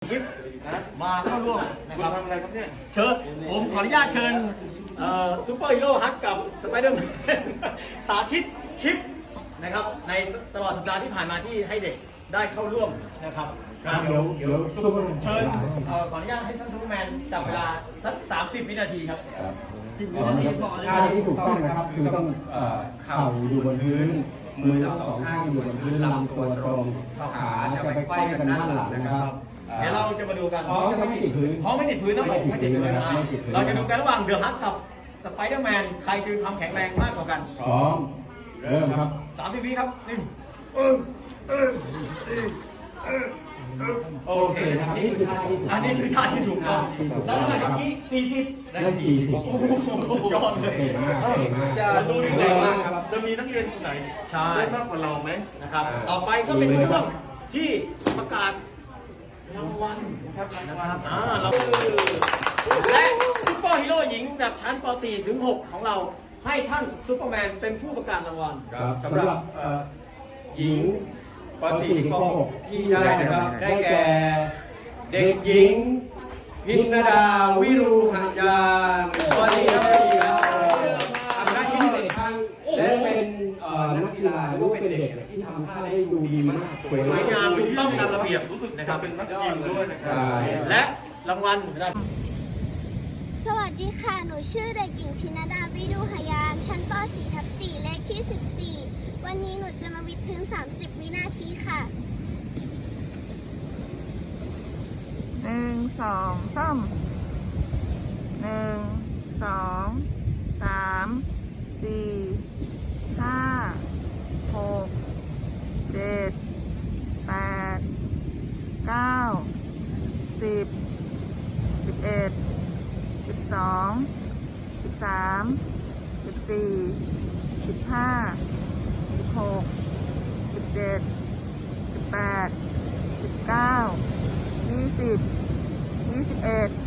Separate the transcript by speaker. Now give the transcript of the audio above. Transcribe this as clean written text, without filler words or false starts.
Speaker 1: คลิปมาเข้าร่วมนะครับ
Speaker 2: ทำอะไรครับเนี่ย
Speaker 1: เชิญผมขออนุญาตเชิญซูเปอร์ฮีโร่ฮักกับสไปเดอร์แมนสาธิตคลิปนะครับในตลอดสัปดาห์ที่ผ่านมาที่ให้เด็กได้เข้าร่วมนะครับ
Speaker 3: เดี๋ยวซุปเปอร์แมน
Speaker 1: เชิญขออนุญาตให้ท่านซูเปอร์แมนจับเวลาสัก30 วินาทีครับ
Speaker 3: ท่าที่ถูกต้องนะครับคือต้องเข่าอยู่บนพื้นมือทั้งสองข้างอยู่บนพื้นลำตัวตรงขาจะไปไขว้กันด้านหลังนะครับ
Speaker 1: เดี๋ยวเราจะมาดูกัน
Speaker 3: ท้องจะไม่ติดพื้น
Speaker 1: ท้องไม่ติดพื้นนะผมไม่ติดพื้นนะเราจะดูกันระหว่างเดอะฮักกับสไปเดอร์แมนใครจะมีความแข็งแรงมากกว่ากัน
Speaker 3: พร้อมเริ่มครับ
Speaker 1: 30 วิครับ1
Speaker 3: โอเคนะครับนี่คือท่าที่ถูก
Speaker 1: อันนี้คือท่าที่ถูกต้องแล้วเท่าไหร่เมื่อกี้40
Speaker 3: ได้40
Speaker 1: โอ้โหยอดเลย
Speaker 3: เก่งมากเก่งมาก
Speaker 2: จะดูดีเลยว่าจะมีนักเรียนคนไหน
Speaker 1: ใช่
Speaker 2: ได้มากกว่าเราไหม
Speaker 1: นะครับต่อไปก็เป็นช่วงที่ประกาศรางวัล
Speaker 2: นะครับ
Speaker 1: นะครับเราและซุปเปอร์ฮีโร่หญิงแบบชั้นป .4 ถึง 6 ของเราให้ท่านซุปเปอร์แมนเป็นผู้ประกาศรางวัล
Speaker 3: ครับสำหรับหญิงป .4 ถึงป .6 ที่ได้นะครับได้แก่เด็กหญิงพินดาวิรูหัยานป .4 ครับทำหน้าที่เป็นครั้งและเป็นนักกีฬาหรือว่าเป็นเด็กที่ทำท่าได้ดูดีมากสวย
Speaker 1: สวยงามถูกต้องตามระเบียบ
Speaker 2: รู้สึก
Speaker 1: นะค
Speaker 2: จะ
Speaker 1: รับ
Speaker 2: เป็นนักยิมด้วยนะครั
Speaker 3: ใช่
Speaker 1: และรางวัล
Speaker 4: สวัสดีค่ะ หนูชื่อเด็กหญิงพินดาวิดูหยาน ชั้นป .4/4 เลขที่ 14 วันนี้หนูจะมาวิดพื้น 30 วินาทีค่ะ
Speaker 5: 1 2 3 1 2 3 4 5 6 7 8 9 10 11 12 13 14 15 16 17 18 19 20 21